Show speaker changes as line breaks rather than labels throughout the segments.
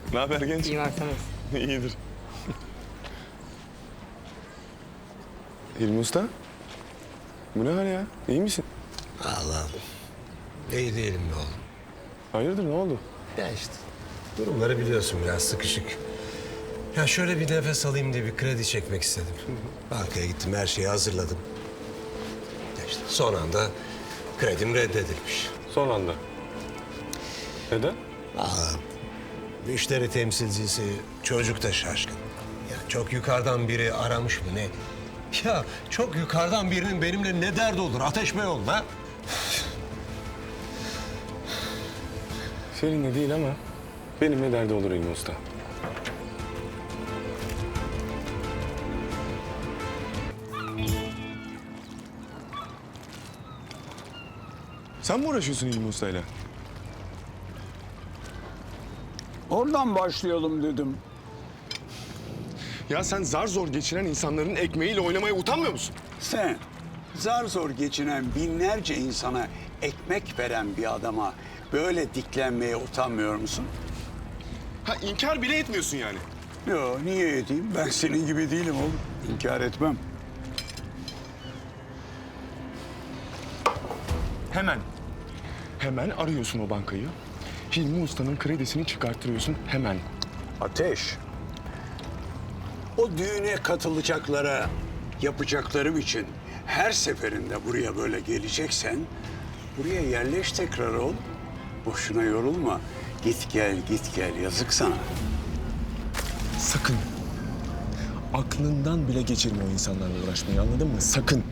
Ne haber genç?
İyi varsınız.
İyidir. İlmi Usta. Bu ne hal ya? İyi misin?
Allah'ım. İyi değilim be oğlum.
Hayırdır, ne oldu?
Ya işte durumları biliyorsun, biraz sıkışık. Ya şöyle bir nefes alayım diye bir kredi çekmek istedim. Bankaya gittim, her şeyi hazırladım. Ya işte son anda kredim reddedilmiş.
Son anda. Neden?
Allah'ım. Müşteri temsilcisi çocuk da şaşkın. Ya çok yukarıdan biri aramış mı ne? Ya çok yukarıdan birinin benimle ne derdi olur? Ateş Bey oğlum ha?
Seninle değil ama benimle derdi olur İlmi Usta. Sen mi uğraşıyorsun İlmi Usta'yla?
Oradan başlayalım dedim.
Ya sen zar zor geçinen insanların ekmeğiyle oynamaya utanmıyor musun?
Sen zar zor geçinen binlerce insana ekmek veren bir adama böyle diklenmeye utanmıyor musun?
Ha, inkar bile etmiyorsun yani.
Yo, niye edeyim? Ben senin gibi değilim oğlum. İnkar etmem.
Hemen arıyorsun o bankayı. Hilmi Usta'nın kredisini çıkarttırıyorsun hemen.
Ateş. O düğüne katılacaklara yapacaklarım için her seferinde buraya böyle geleceksen buraya yerleş tekrar ol. Boşuna yorulma. Git gel, git gel. Yazık sana.
Sakın. Aklından bile geçirme o insanlarla uğraşmayı, anladın mı? Sakın.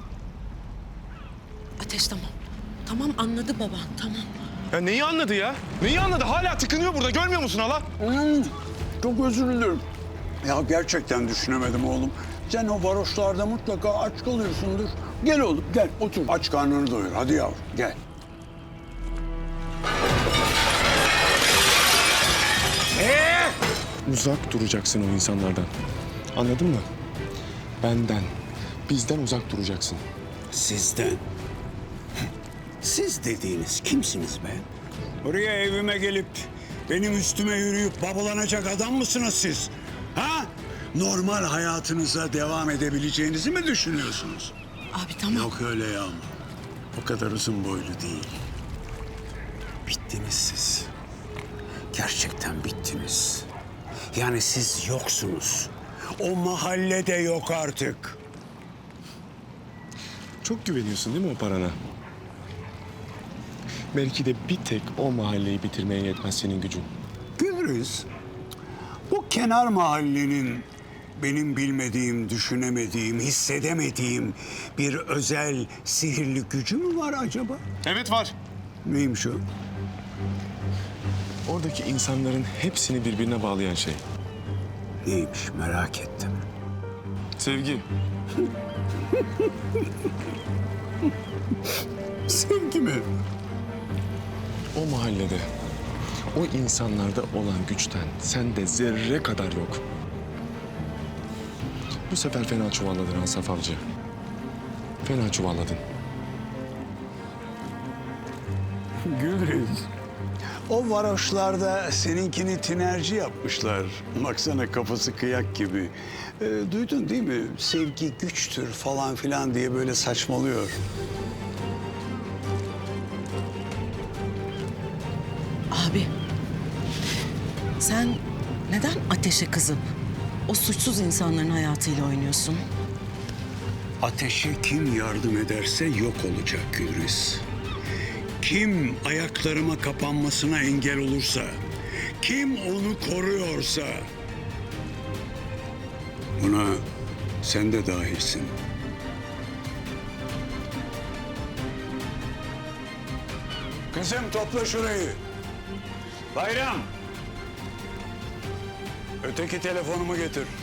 Ateş tamam. Tamam anladı baba, tamam.
Ya neyi anladı ya? Neyi anladı? Hala tıkınıyor burada, görmüyor musun hala?
Çok özür dilerim. Ya gerçekten düşünemedim oğlum. Sen o varoşlarda mutlaka aç kalıyorsundur. Gel oğlum gel otur. Aç karnını doyur. Hadi yavrum gel.
Uzak duracaksın o insanlardan. Anladın mı? Benden, bizden uzak duracaksın.
Sizden. Siz dediğiniz kimsiniz be? Buraya evime gelip benim üstüme yürüyüp babalanacak adam mısınız siz? Ha? Normal hayatınıza devam edebileceğinizi mi düşünüyorsunuz?
Abi tamam.
Yok öyle ya. O kadar uzun boylu değil. Bittiniz siz. Gerçekten bittiniz. Yani siz yoksunuz. O mahallede yok artık.
Çok güveniyorsun değil mi o parana? Belki de bir tek o mahalleyi bitirmeye yetmez senin gücün.
Gülriz, bu kenar mahallenin benim bilmediğim, düşünemediğim, hissedemediğim bir özel sihirli gücü mü var acaba?
Evet var.
Neymiş o?
Oradaki insanların hepsini birbirine bağlayan şey.
Neymiş merak ettim.
Sevgi.
Sevgi mi?
O mahallede, o insanlarda olan güçten sende zerre kadar yok. Bu sefer fena çuvalladın Hansaf Avcı. Fena çuvalladın.
Gülriz. O varoşlarda seninkini tinerci yapmışlar. Baksana kafası kıyak gibi. Duydun değil mi? Sevgi güçtür falan filan diye böyle saçmalıyor.
Abi. Sen neden ateşe kızıp o suçsuz insanların hayatıyla oynuyorsun?
Ateşe kim yardım ederse yok olacak Gülriz. Kim ayaklarıma kapanmasına engel olursa, kim onu koruyorsa... Buna sen de dahilsin. Kızım topla şurayı. Bayram. Öteki telefonumu getir.